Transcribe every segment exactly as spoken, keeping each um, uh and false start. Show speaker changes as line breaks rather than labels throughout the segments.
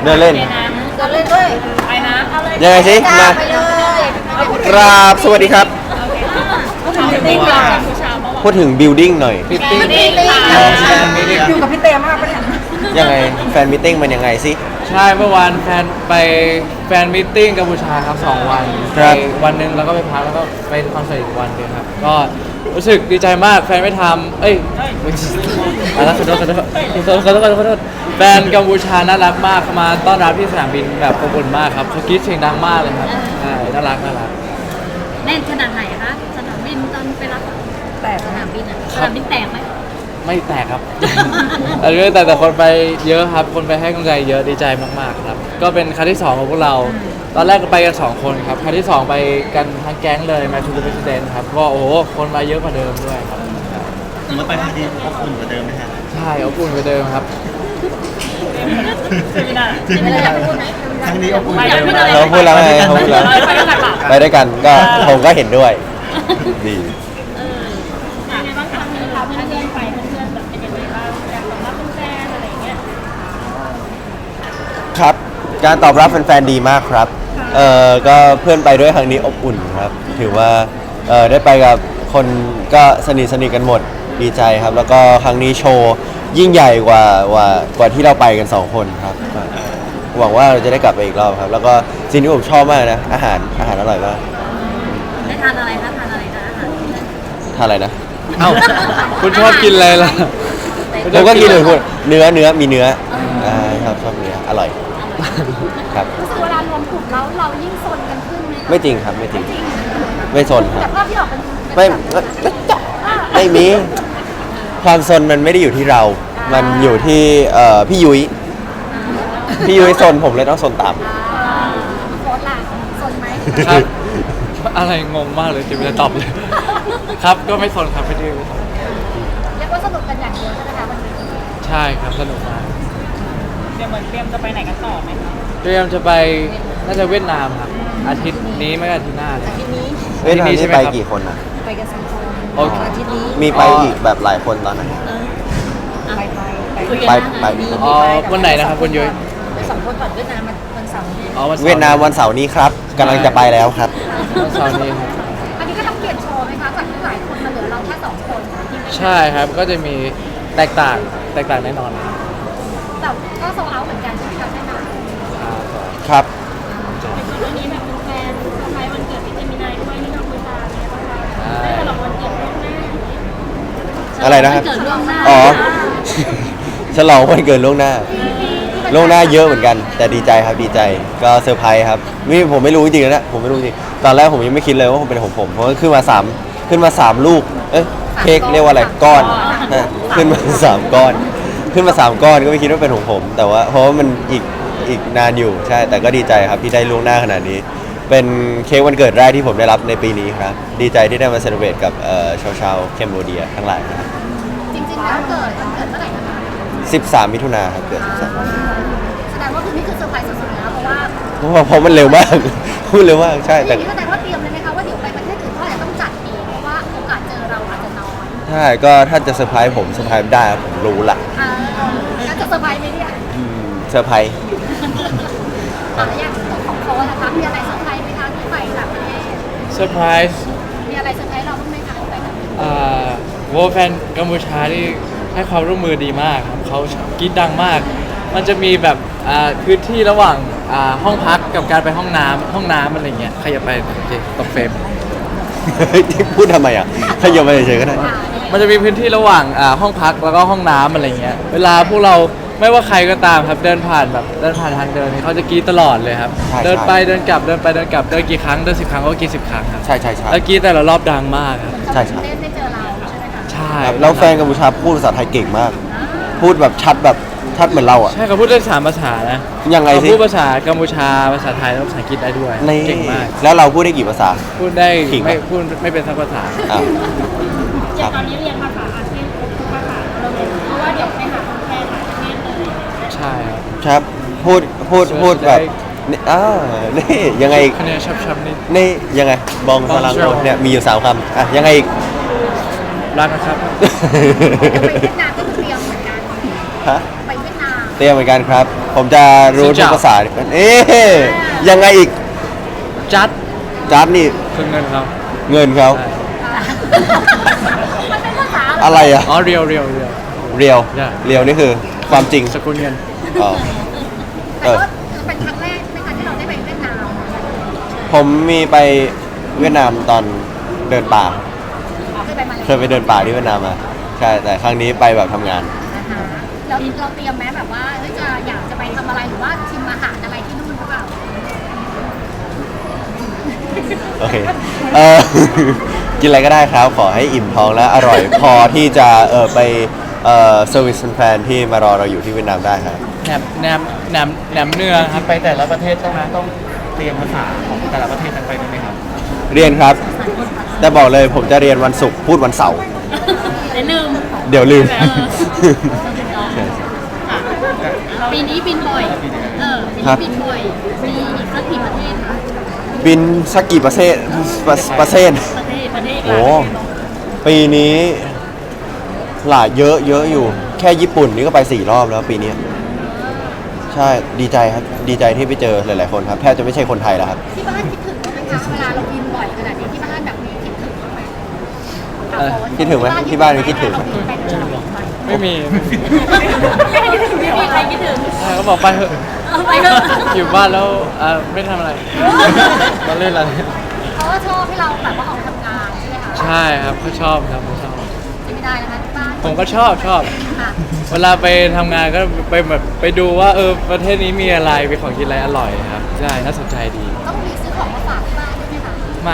เดินเล่น
เดินเล่นด้วยไปนะ
ยังไงสิมา
ไปเลย
กราบสวัสดีครับ
ติ๊กต็อก
พูดถึง building หน่อย
ติ๊กติ๊กอยู่กับพี่เตมากปะเนี่ย
ยังไงแฟนมิทติ้งมันยังไงสิ
ใช่เมื่อวานแฟนไปแฟนมิทติ้งกัมพูชาครับสองวัน
ครับ
ไปวันหนึ่งแล้วก็ไปพักแล้วก็ไปคอนเสิร์ตอีกวันหนึงครับก็รู้สึกดีใจมากแฟนไม่ทำเอ้ยไม่ใช่อะไรขอโทษขอโทษขอโทษขอโทษขอโทษขอโทษแฟนกัมพูชาน่ารักมากเขามาต้อนรับที่สนามบินแบบอบอุ่นมากครับเขากรี๊ดเสียงดังมากเลยครับใช่น่ารักน่ารัก
แน่นขนาดไหนคะสนามบินตอนไปรับแต่สนามบินอ่ะสนามบินแตกไหม
ไม่แตกครับ อันนี้แต่แต่คนไปเยอะครับ คนไปให้กำลังใจเยอะดีใจมากๆครับ ก็เป็นครั้งที่สองของพวกเรา ตอนแรกก็ไปกันสองคนครับ ครั้งที่สองไปกันทั้งแก๊งเลยมาชูเปอร์เรสเดนครับก็โอ้โหคนมาเยอะกว่าเดิมด้วยครับ
สมมติไปครั้งนี้อบอุ่นกว่าเดิมไหมฮะ
ใช่อบอุ่นกว่าเดิมครับ
ไม่ได้อยากพูดไหม
ครั้งนี้อบอุ่นกว่าเดิม
เราพูดแล้วไงเขาพูดแล้ว
ไปด้วยกันเปล่า
ไปด้วยกันก็ผมก็เห็นด้วย ดี
ยังไงบ้างคะมีพาเพื่อนๆไปเพื่อนๆแบบเป็นยังไงบ้างการตอบรับแฟนๆอะไรอย่างเงี้ย
ครับ การตอบรับแฟนๆดีมากครับ เอ่อ ก็เพื่อนไปด้วยครั้งนี้อบอุ่นครับ ถือว่า เอ่อ ได้ไปกับคนก็สนิทสนิทกันหมด ดีใจครับ แล้วก็ครั้งนี้โชว์ยิ่งใหญ่กว่ากว่ากว่าที่เราไปกันสองคนครับ หวังว่าเราจะได้กลับไปอีกรอบครับ แล้วก็สิ่งที่ผมชอบมากนะ อาหาร อาหารอร่อยมาก
ได้ทานอะไรคะทานอะไรคะอาหาร
ทานอะไรนะ
เอ้า คุณชอบกินอะไรล่ะ
ผมก็กินเลยคุณเนื้อ เนื้อ มีเนื้อ อ่าชอบชอบเนื้อ อร่อย ครับ
รู้สึกเวลารวมกลุ่มแล้วเรายิ่งซนกันขึ้นไหมคะ
ไม่จริงครับ ไม่จริง ไม่สนค
แต่
รับ
ภาพที่ออกเป็น
ไม่ไม่ไม่มี ความสนมันไม่ได้อยู่ที่เรา มันอยู่ที่เอ่อพี่ยุ้ย พี่ยุ้ยสนผมเลยต้องสนตาม
โคตรล่ะซนไหม
ครับ อะไรงงมากเลยจะไม่ได้ตอบเลย ครับ ก็ไม่สนครับไม่ได้ไม่สน
เรียกว่าสนุกกันอย่างเดียวใช่ไหมคะวันนี้
ใช่ครับสนุกมาก
เดี๋ยวเหมือนเตรียมจะไปไหนกันต่อไหมคะ
เตรียมจะไปน่าจะเวียดนามครับ อาทิตย์นี้ไม่ก็อาทิตย์หน้าเลย
ทีนี้
เวียดนาม
ที่นี่ใช่
นี่
ไหม
ไป
ครับ
กี่คนนะ
ไปกันสองคน
โอเค
อาทิตย์นี้
มีไปอีกแบบหลายคนตอนนั้น
ไปไปไป
คุย
ไป
กัน
ไป
นะ
อ๋อวันไหนนะครับคุณยุ้ย
ไปสองคนก่อนเวียดนามวันเสาร์นี้
อ๋อวันสร์
เวียดนามวันเสาร์นี้ครับกำลังจะไปแล้วครับ
วันเสาร์นี้ครับ
อันนี้ก็ต้องเปลี่ยนโชว์ไหมคะจากที่หลายคนมาเหลือเราแค่สองคนที่ไม่
ใช่ครับ ก็จะมีแตกต่าง แตกต่างแน่นอนครับ
แต่ก็โซเอาเหมือนกันใช่ไหมคะแน่นอน
ครับ
วันนี้แบบเป็นแฟนเซอร์ไพรส์วันเกิดพี่เจมินายด้วยที่กัมพูชาเนี่ยบ้างคะได้ฉลองวันเกิดล่วงหน้า
อะไรนะครับ
วันเกิดล่วงหน้า
อ๋อ ฉลองวันเกิดล่วงหน้า ล่วงหน้าเยอะเหมือนกัน แต่ดีใจครับดีใจก็เซอร์ไพรส์ครับนี่ผมไม่รู้จริงๆนะผมไม่รู้จริงตอนแรกผมยังไม่คิดเลยว่าผมเป็นของผมเพราะว่าขึ้นมาสามขึ้นมาสามลูกเอ้ยเค้กเรียกว่าอะไรก้อนนะขึ้นมาสามก้อน ขึ้นมาสามก้อนก็ไม่คิดว่าเป็นของผม แต่ว่าเพราะว่ามันอีกอีกนานอยู่ใช่แต่ก็ดีใจครับที่ได้ล่วงหน้าขนาดนี้ เป็นเค้กวันเกิดแรกที่ผมได้รับในปีนี้ครับดีใจที่ได้มาเซเลบรตกับเอ่อชาวชาวแคนเบเดียทั้งหลายนะครับ
จริงๆแล้วเกิดวันเกิดเมื่อไหร่นะคะ
สิบสามมิถุนาครับเกิดสิบสาม
แสดงว่าคือนี่คือเซอร์ไพรส์สุดๆนะเพราะว่า
เพราะว่าเพราะมันเร็วมาก พูดเร็วมากใช่
อ
แต่
ย่างนี้แสดงว่าเตรียมเลยไหมคะว่าเดี๋ยวไปประเทศอื่นเขาอาจจะต้องจัดเองเพราะว่าโอกาสเจอเราอาจจะน้อย
ใช่ก็ถ้าจะเซอร์ไพรส์ผมเซอร์ไพรส์ได้ผมรู้ละ
อ่าแล้วจะเซอร์ไพรส์ไหมเนี่ย
อืมเซอร์ไพรส์
อ่ะอย่างของโค้ชนะคะมีอะไรเซอร์ไพรส์ไหมคะที่ไปต่างประเทศ
เซอร์ไพรส์
มีอะไรเซอร์ไพรส์เราบ้างไหมคะที่ไปต่างประเทศ
อ่าโวแฟนกัมพูชาที่ให้ความร่วมมือดีมากครับเขากรีดดังมาก มันจะมีแบบอ่าพื้นที่ระหว่างอ่าห้องพักกับการไปห้องน้ำห้องน้ำอะไรเงี้ยใครจะไปโอเคตกเฟรม
พูดทำไมอ่ะถ้าโยนมาเฉยๆก็ได้
มันจะมีพื้นที่ระหว่างอ่าห้องพักแล้วก็ห้องน้ำอะไรเงี้ย เวลาพวกเราไม่ว่าใครก็ตามครับเดินผ่านแบบเดินผ่านทางเดินนี่เขาจะกรีดตลอดเลยครับ
ใช่
เดิน
ใช่
ไปเดินกลับเดินไปเดินกลับเดินกี่ครั้งเดินสิบครั้งก็กรีดสิบครั้งครับ
ใช่ใช่ใช่
แล้วกรีดแต่ละรอบดังมากครับ
ใช่ใช่
เล่นได้เจอเราใช่ไหมคะ
ใช่
ครับแล้วแฟนกัมพูชาพูดภาษาไทยเก่งมาก พูดแบบชัดแบบชัดเหมือนเราอ่ะ
ใช่เขาพูดได้สามภาษานะ
ยังไง
เขา
สิ
พูดภาษากัมพูชาภาษาไทยแล้วภาษาอังกฤษได้ด้วย
นี่
เก่งมาก
แล้วเราพูดได้กี่ภาษา
พูดได้
ขิง
ไม่
ปะ
พูดไม่เป็นสักภาษา
อ้าว
อย่างตอนนี้เรียนภาษาอาเซียนครบทุกภาษาเราเลยเพราะว่าเดี๋ยวไปหาคนแปลหลายประเทศเลย
ใช่ครับ
ครับพูดพูดพูดแบบนี่อ้าวนี่ยังไงอีก
คะแนนชับๆนี่
นี่ยังไงบองพลัง
Bonjour
เนี่ยมีอยู่สามคำอ่ะยังไงอีก
รักนะครับ
ไปเวียดนามก็คือเตรียมเหมือนกัน
ฮะ
ไปเวียดนาม
เตรียมเหมือนกันครับ ผมจะรู้ทุกภาษาเอ๊ะยังไงอีก
จัด
จัดนี่
คือเงินเขา
เงินเขา
ใช่
มันเป็นภาษา
อะไรอะ
อ๋อเรียวเรียวเรียว
เรียว
ใช่
เรียวนี่คือความจริง
สกุลเงิน
อ๋อ
แต่ก็เป็นครั้งแรกใช่ไหมคะที่เราได้ไปเวียดนาม
ผมมีไปเวียดนามตอนเดินป่า
เคยไปมาแล้ว
เคยไปเดินป่าที่เวียดนามมาใช่แต่ครั้งนี้ไปแบบทำงาน
นะคะเราเราเตรียมแม้แบบว่าเฮ้ยจะอยากจะไปทำอะไรหรือว่าชิมอาหารอะไรที่นู่นหรือเปล่า
โอเค เออ กินอะไรก็ได้ครับ ขอให้อิ่มท้องและอร่อย พอที่จะเออไปเอ่อเซอร์วิสแฟนๆที่มารอเราอยู่ที่เวียดนามได้ครับ
แหนมแหนมแหนมแหนมเนืองครับ
ไปแต่ละประเทศใช่ไหมต้องเตรียมภาษาของแต่ละประเทศนั้นไปด้วยไหมครับ
เรียนครับ แต่บอกเลยผมจะเรียนวันศุกร์พูดวันเสาร์
เดี๋ยวลืม
เดี๋ยวลืม
ปีนี้บินบ่อย เออปี
ครั
นี้
บ
บินบ่อย มีอีกสักกี่ประเทศคะ
บินสักกี่ประเทศประประเทศ
ประเทศ ประเทศ
โอ้ปีนี้หลายเยอะเยอะอยู่ แค่ญี่ปุ่นนี่ก็ไปสี่รอบแล้วปีนี้ ใช่ดีใจครับ ดีใจที่ไปเจอหลายๆคนครับแทบจะไม่ใช่คนไทยแล้วครับ
ที่บ้านคิดถึงไหมคะ เวลาเราบินบ่อยขนาดนี้ที่บ้านแบบมีคิดถึงไหม
เอ่อ
คิดถึงไหมที่บ้านมีคิดถึง
ไม่มี
ไม่คิดถึงไม่มีใครคิดถึง
ใช่เขาบอกไปเถอะ
เอาไปเถอะ
อยู่บ้านแล้วอ่าไม่ทำอะไรมาเล่นอะไร
เขาก็ชอบให้เราแบบว่าออกมาทำงานใช่ไหมคะ
ใช่ครับเขาชอบครับเขาชอบ
จะไม่ได้นะคะที่บ้าน
ผมก็ชอบชอบ
ค่ะ
เวลาไปทำงานก็ไปแบบไปดูว่าเออประเทศนี้มีอะไรมีของกินอะไรอร่อยครับใช่น่าสนใจดี
ต้องมีซื้อของมาฝากที่บ้านด้วยไหมคะ
มาก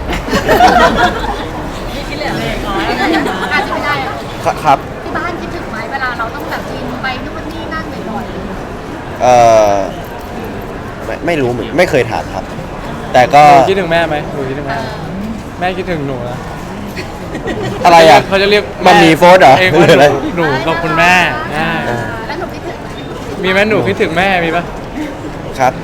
ไม่คิดเลยอาจจะไม่ได้อะ
ครับ
ที่บ้านคิดถึงไหมเวลาเราต้องแบบบินไปนู่นนี่นั่นบ่อย
เออไม่ไม่รู้เหมือนไม่เคยถามครับ แต่ก็
หนูคิดถึงแม่ไหมหนูคิดถึงแม่ไหมแม่คิดถึงหนูนะ
อะไรอ่ะ
เขาจะเรียก
มันมีโฟร์เหรอ
เอง
ห
ว่า
รืออะไร
หนูกับคุณแม่ใช่
เออ
ๆแล้วหนูคิดถึงไหม
มีไหมหนูคิดถึงแม่มีปะ
ครับ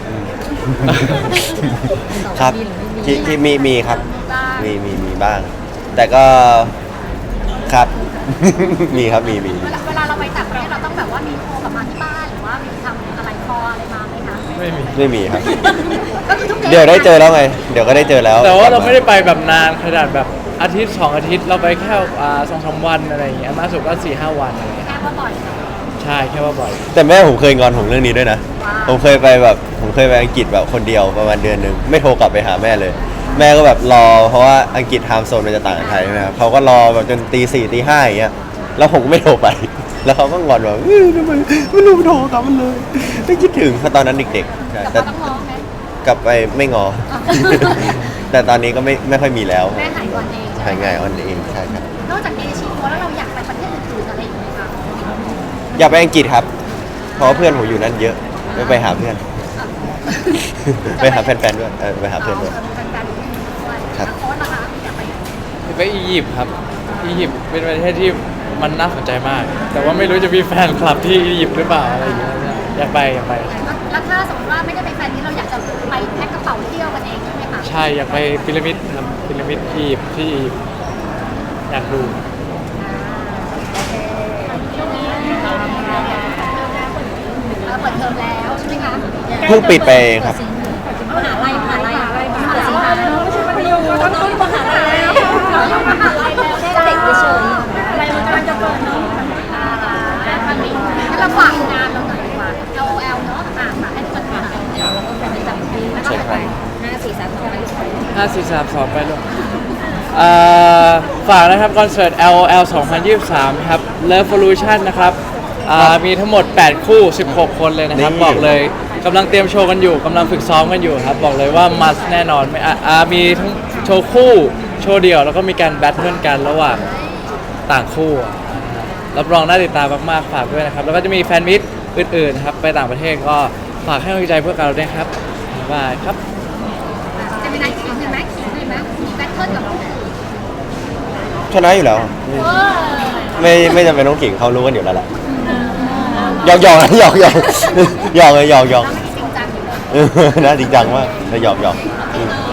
ครับที่ที่มีมีครับ
บ้าง
มีมีมีบ้าง แต่ก็ครับ มีครับมีมี
เวลาเวลาเราไปต่างประเทศเราต้องแบบว่ามีโทรกลับมาที่บ้านหรือว่ามีทำอะไรคออะไรมาไหมคะ
ไม่มี
ไม่มีครับ
ก็คือทุก
เดี๋ยวได้เจอแล้วไง เดี๋ยวก็ได้เจอแล้ว
แต่ว่าเราไม่ได้ไปแบบนานขนาดแบบอาทิตย์สองอาทิตย์เราไปแค่อ่าสองสามวันอะไรอย่างเงี้ยมากสุดก็สี่ห้าวันอะไรอย่างเงี้ย
แค่ว่าบ่อย
ใช่แค่ว่าบ่อย
แต่แม่ผมเคยงอนผมเรื่องนี้ด้วยนะ
ว้าว
ผมเคยไปแบบผมเคยไปอังกฤษแบบคนเดียวประมาณเดือนหนึ่งไม่โทรกลับไปหาแม่เลย แม่ก็แบบรอเพราะว่าอังกฤษไทม์โซนมันจะต่างกับไทยใช่ไหมครับเขาก็รอแบบจนตีสี่ตีห้าอย่างเงี้ยแล้วผมก็ไม่โทรไป แล้วเขาก็งอนว่าเอ้ยทำไมไม่รู้โทรกลับมันเลยไม่คิดถึงเพราะตอนนั้นเด็กๆใช่
แต่
แต่
ก็ต้องร้องไหม
กลับไปไม่งอ แต่ตอนนี้ก็ไม่ไม่ค่อยมีแล้ว
แม่หายก่อนเอง
หายง่ายอ่อนเองใช่ครับ
นอกจากเอเชียแล้วเราอยากไปประเทศอื่นๆอะไรอีกไหมคะ
อยากไปอังกฤษครับ เพราะว่าเพื่อนผมอยู่นั่นเยอะไปไปหาเพื่อน ไปหาแฟนๆด้วยเออไปหาเพื่อนด้วย
แฟนๆด้วย
ครับ
แล้วโค้ชนะคะอยากไป
ไปอียิปต์ครับอียิปต์เป็นประเทศที่มันน่าสนใจมาก แต่ว่าไม่รู้จะมีแฟนคลับที่อียิปต์หรือเปล่าอะไรอย่างเงี้ยอยากไปอยากไป
แล้วถ้าสมมติว่าไม่ได้ไปแฟนนี้เราอยากจะไปแพ็คกระเป๋าเที่ยวกันเองใช่ไหมคะ
ใช่อยากไปพีระมิดครับพีระมิดอียิปต์ที่อียิปต์อยากดู
ช่วงนี้เออเปิดเทอมแล้วใช่ไหมคะ
เพิ่งปิดไปเองครับ
มหาลัยมหาลัยมหาลัยมหาลัยไม่ใช่มัธยมเราต้องมหาลัยแล้วเราต้องมหาลัยแล้วแค่เด็กเฉยๆอะไรมันกำลังจะเปิดเนาะอ่าแล้วมันมีงั้นเราฝากงานเราหน่อยดีกว่า แอล แอล เนาะอ่าฝากให้ทุกคนฝากแล้วก็เป็นประจำปีแล้วก็ไปห้าสี่สามสอง
ห้าสี่สามสองไปลูกอ่าฝากนะครับคอนเสิร์ต แอล แอล สองพันยี่สิบสามครับ Revolution นะครับอ่ามีทั้งหมดแปดคู่สิบหกคนเลยนะครับ
นี่
บอกเลยกำลังเตรียมโชว์กันอยู่กำลังฝึกซ้อมกันอยู่ครับ บอกเลยว่ามัสแน่นอนไม่อ่ะอ่ามีทั้งโชว์คู่โชว์เดี่ยว แล้วก็มีการแบทเทิลกันระหว่างต่างคู่อ่ะรับรองน่าติดตามมากๆฝากด้วยนะครับ แล้วก็จะมีแฟนมิตอื่นๆนะครับไปต่างประเทศก็ฝากให้กำลังใจพวกเราด้วยครับบ๊ายบายครับ
จะมีนายขิงเห็นไหมขิงเห็นไหมมีแบทเทิลกับผู้อื่น
ชนะอยู่แล้ว
เออ
ไม่ไม่จำเป็นต้องขิงเขารู้กันอยู่แล้วแหละหยอกหยอกหยอกหยอกหยอกเลยหยอกหยอก
เราไม่ได้จริงจังอยู่เลย
เออน่าจริงจังมากแต่หยอกหยอกอืม
เออ